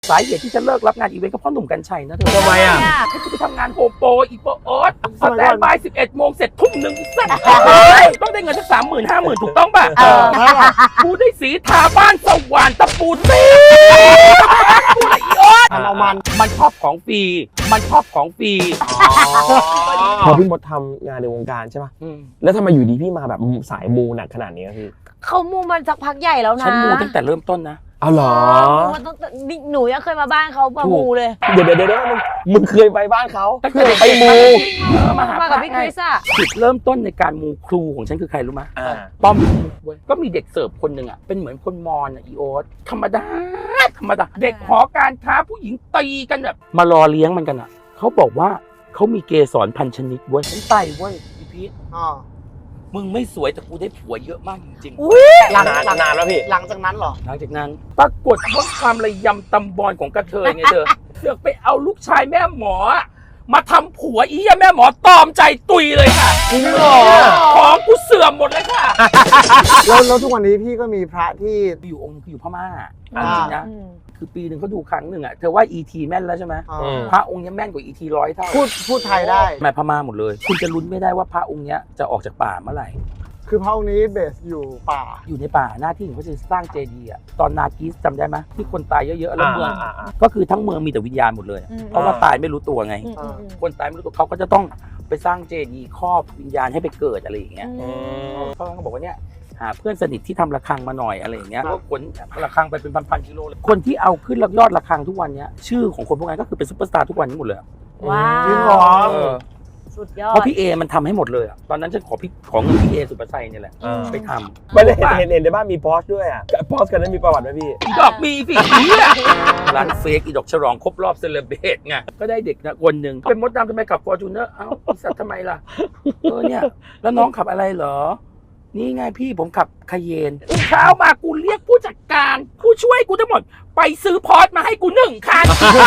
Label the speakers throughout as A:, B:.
A: สาเหตุที่จะเลิกรับงานอีเวนต์ก็เพราะหนุ่มกัญชัยนะเธอ
B: ทำไมอ่ะ
A: ให้กูไปทำงานโฮมโปรอีโปโอ๊ตสแตนบาย11 โมงเสร็จทุ่มหนึ่งสักต้องได้เงินสัก30,000 50,000ถูกต้องป่ะกูได้สีทาบ้านสว่านตะปูตีกูละอีโอ๊ต
C: เอามัน
A: ชอบของฟรีมันชอบของฟรี
B: พอพี่มดทำงานในวงการใช่ป่ะแล้วทำไมอยู่ดีพี่มาแบบสายมูหนักขนาดนี้พี่
D: เขามูมันสักพักใหญ่แล้วนะ
A: ฉันมูตั้งแต่เริ่มต้นนะ
B: เอาเหรอ
D: หนูยังเคยมาบ้านเขามามูเลย
B: เดี๋ยวมึงเคยไปบ้านเขา
A: ตั้งแต่
B: ไปมู
A: มาหา
D: มากับพี่คริสอะ
A: จุดเริ่มต้นในการมูครูของฉันคือใครรู้ไหมป้อมเว้ยก็มีเด็กเสิร์ฟคนหนึ่งอ่ะเป็นเหมือนคนมอญอ่ะอีโอ๊ตธรรมดาเด็กหอการค้าผู้หญิงตีกันแบบมารอเลี้ยงมันกันอ่ะเขาบอกว่าเขามีเกสรพันชนิดเว้ยฉันไปเว้ยพี่พีทมึงไม่สวยแต่กูได้ผัวเยอะมากจริงๆ
B: นานแล้วพี่
C: หลังจากนั้นเหรอ
A: หลังจากนั้นปรากฏว่าความระยำตำบอลของกระเทยไงเธอเลือกไปเอาลูกชายแม่หมอมาทำผัวอีอะแม่หมอตอมใจตุยเลยค่ะจริงเหรอของกูเสื่อมหมดเลยค่ะ
C: แล้วทุกวันนี้พี่ก็มีพระที่
A: อยู่องค์นึงคืออยู่พม่าจริงนะคือปีหนึ่งเขาดูครั้งหนึ่งอ่ะเธอว่า ET แม่นแล้วใช่ไหมพระองค์นี้แม่นกว่า ET 100 เท่า
C: พูดไทยได้
A: แม่พม่าหมดเลยคุณจะลุ้นไม่ได้ว่าพระองค์นี้จะออกจากป่าเมื่อไหร่
C: คือพระองค์นี้เบสอยู่ป่า
A: อยู่ในป่าหน้าที่ของเขาจะสร้างเจดีย์อ่ะตอนนากีสจำได้ไหมที่คนตายเยอะๆแล้วเมืองก็คือทั้งเมืองมีแต่วิญญาณหมดเลยเพราะว่าตายไม่รู้ตัวไงคนตายไม่รู้ตัวเขาก็จะต้องไปสร้างเจดีย์ครอบวิญญาณให้ไปเกิดอะไรอย่างเงี้ยเขาบอกว่าเนี่ยหาเพื่อนสนิทที่ทำระฆังมาหน่อยอะไรอย่างเงี้ยก็ขนระฆังไปเป็นพันๆกิโลเลยคนที่เอาขึ้นยอดระฆังทุกวันเนี้ยชื่อของคนพวกนั้นก็คือเป็นซุปเปอร์สตาร์ทุกวันนี้หมดเลย
D: ว้า
C: จริงเหรอ
D: สุดยอด
A: เพราะพี่เอมันทำให้หมดเลยอะตอนนั้นฉันขอเงินพี่เอสุภาชัยเนี่ยแหละไปทำ
B: ไม่ได้เห็นในบ้านมีพอสด้วยอ่ะพอสกันนั้นมีประวัติไหมพี่
A: อีดอกมีสิร้านเฟกอีดอกฉลองครบรอบเซเลบเรตไงก็ได้เด็กนะคนหนึ่งเป็นมดดำทำไมขับฟอร์จูเนอร์เอ้าสัตว์ทำไมล่ะเนี่ยแล้วน้องขับอะไรเหรอนี่ไงพี่ผมขับคาเยนเช้ามากูเรียกผู้จัดการผู้ช่วยกูทั้งหมดไปซื้อพอร์ตมาให้กู1 คัน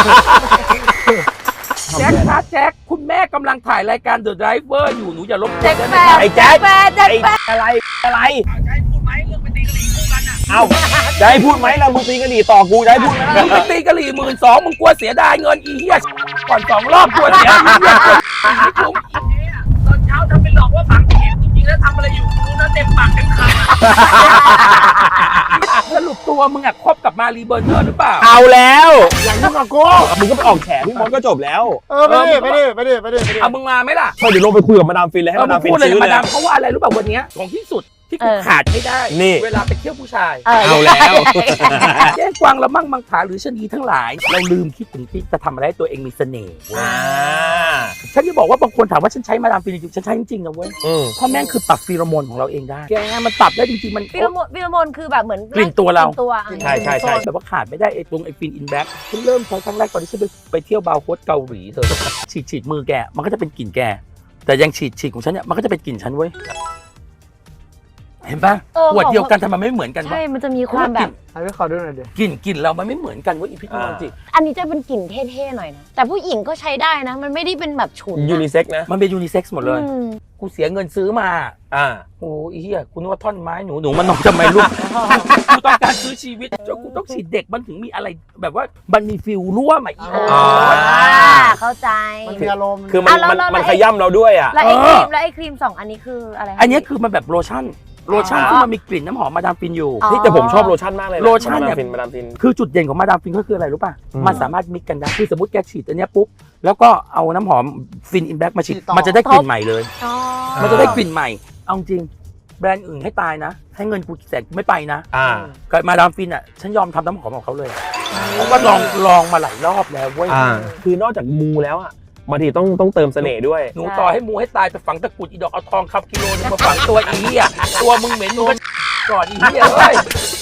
A: แจ็คคะแจ็คคุณแม่กำลังถ่ายรายการ The Driver อยู่หนูอย่าลบกวนได้ไหมครับ
B: ไอ้แจ๊ค
D: แจ๊ค
B: อะไร
A: จะให้พูดไหมเรื่องไปตีกะหรี่คู่กันอ่ะ
B: เอ้าจะให้พูดไหมเรามึงตีกะหรี่ต่อกูจะให้พูดไหม
A: มึงไปตีกะหรี่12,000มึงกลัวเสียดายเงินอีเหี้ยก่อน2 รอบกลัวเสียอีเหี้ยไม่คุ้มตอนเช้าทำเป็นหลอกว่าฝังเข็มจริงๆแล้วทำอะไรอยู่รู้นะเต็มปากเต็มคำสรุปตัวมึงอ่ะคบกับมารีเบอร์เนอร์หรือเปล่า
B: เอาแล้ว
C: อย่างนี้กับกู
B: มึงก็ไปออกแฉพี่มดก็จบแล้ว
C: ไม่ได้
A: เอามึงมาไหมล่ะ
B: เดี๋ยวลงไปคุยกับมาดามฟินเลยให้มาดามฟิน
A: พูดเลย
B: ซื้อ
A: มา
B: เลย
A: ดามเพราะว่าอะไรรู้ป่ะวันนี้ของที่สุดที่กูขาดไม่ได้
B: นี่
A: เวลาไปเที่ยวผู้ชาย
B: เอาแล้ว
A: แย่งกวางละมั่งมังผาหรือชะนีทั้งหลายเราลืมคิดถึงที่จะทำอะไรให้ตัวเองมีเสน่ห์ฉันจะบอกว่าบางคนถามว่าฉันใช้มาดามฟินจริงๆฉันใช้จริงๆนะเว้ยเพราะแม่งคือปรับฟีโรโมนของเราเองได้แกมันปรับได้จริงๆมัน
D: ฟิโลโมนคือแบบเหมือน
A: กลิ่นตัวเรา
B: ใช่
A: แบบว่าขาดไม่ได้ไอ้ตรงไอ้ฟินอินแบ็กฉันเริ่มใช้ครั้งแรกตอนที่ฉันไปเที่ยวบาร์โฮสเกาหลีเธอฉีดมือแกมันก็จะเป็นกลิ่นแกแต่ยังฉีดของฉันเนี่ยมันก็จะเป็นกลิ่นฉันเว้ยเห็นปะขวดเดียวกันทำไมไม่เหมือนกันวะ
D: ใช่มันจะมีความแบบ
C: ให้ขอดูหน่อยดิ
A: กลิ่นเรามันไม่เหมือนกันเว้ยอีพิษมันจริง
D: อันนี้จะเป็นกลิ่นเท่ๆหน่อยนะแต่ผู้หญิงก็ใช้ได้นะมันไม่ได้เป็นแบบฉุน
B: ยูนิเซ็กนะ
A: มันเป็นยูนิเซ็กซ์หมดเลยกูเสียเงินซื้อมา
B: อ่า
A: โอ้ยเฮียคุณนึกว่าท่อนไม้หนูมันนอนทำไมลูกกูต้องการซื้อชีวิตจนกูต้องฉีดเด็กมันถึงมีอะไรแบบว่ามันมีฟิลรั่วมาอีก
D: เข้าใจ
C: มันมีอารมณ์
B: คือมันขย้ำเราด้วยอ่ะ
D: แล้วไอ้ครีม2 อันนี้คืออะไร
A: อันนี้คือมันแบบโลชั่นที่มันมีกลิ่นน้ำหอมมาดามฟินอยู่
B: แต่ผมชอบโลชั่นมากเลย
A: โลชั่นเนี่ย
B: มาดามฟิน
A: คือจุดเด่นของมาดามฟินก็คืออะไรรู้ป่ะมันสามารถมิกกันได้คือสมมติแกฉีดอันเนี้ยปุ๊บแล้วก็เอาน้ำหอมฟินอินแบ็กมาฉีดมันจะได้กลิ่นใหม่เลยมันจะได้กลิ่นใหม่เอาจริงแบรนด์อื่นให้ตายนะให้เงินกูแสนกูไม่ไปนะกับมาดามฟินอ่ะฉันยอมทำน้ำหอมของเขาเลยเพราะว่าลองมาหลายรอบแล้วเว้ย
B: คือนอกจากมูแล้วอ่ะบางทีต้องเติมเสน่ห์ด้วย
A: หนูต่อให้มูให้ตายไปฝังตะกุดอีดอกเอาทองคับกิโลนึงมาฝังตัวอีอ่ะตัวมึงเหม็นมึงก็ก่อนอีเหี้ยเฮ้ย